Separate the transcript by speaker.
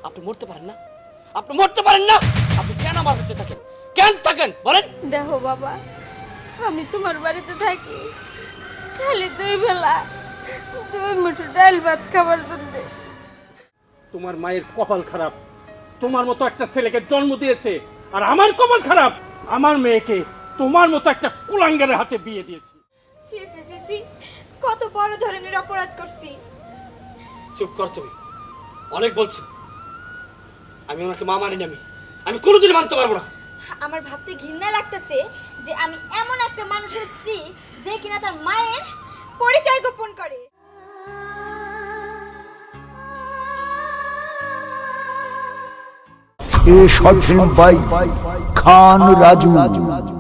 Speaker 1: আপনি মরতে পারেন না? আপনি মরতে পারেন না? আপনি কেন আমার বাড়িতে থাকেন? কেন থাকেন বলেন?
Speaker 2: দেখো বাবা, আমি তোমার বাড়িতে থাকি খালি 2 বেলা 2 মুঠো ডাল ভাত খাবার জন্য।
Speaker 3: তোমার মায়ের কপাল খারাপ, তোমার মতো একটা ছেলেকে জন্ম দিয়েছে। আর আমার কপাল খারাপ, আমার মেয়েকে তোমার মতো একটা কুলাঙ্গারের হাতে বিয়ে দিয়েছি।
Speaker 4: সি সি সি সি, কত বড় ধরনের অপরাধ করছি।
Speaker 1: চুপ কর তুমি, অনেক বলছো। আমি ওনাকে মা মানি না, আমি কোনোদিন মানতে পারবো না।
Speaker 4: আমার ভাবতে ঘৃণা লাগতেছে যে আমি এমন একটা মানুষের স্ত্রী যে কিনা তার মায়ের পরিচয় গোপন করে।
Speaker 5: A short film by Khan Raju.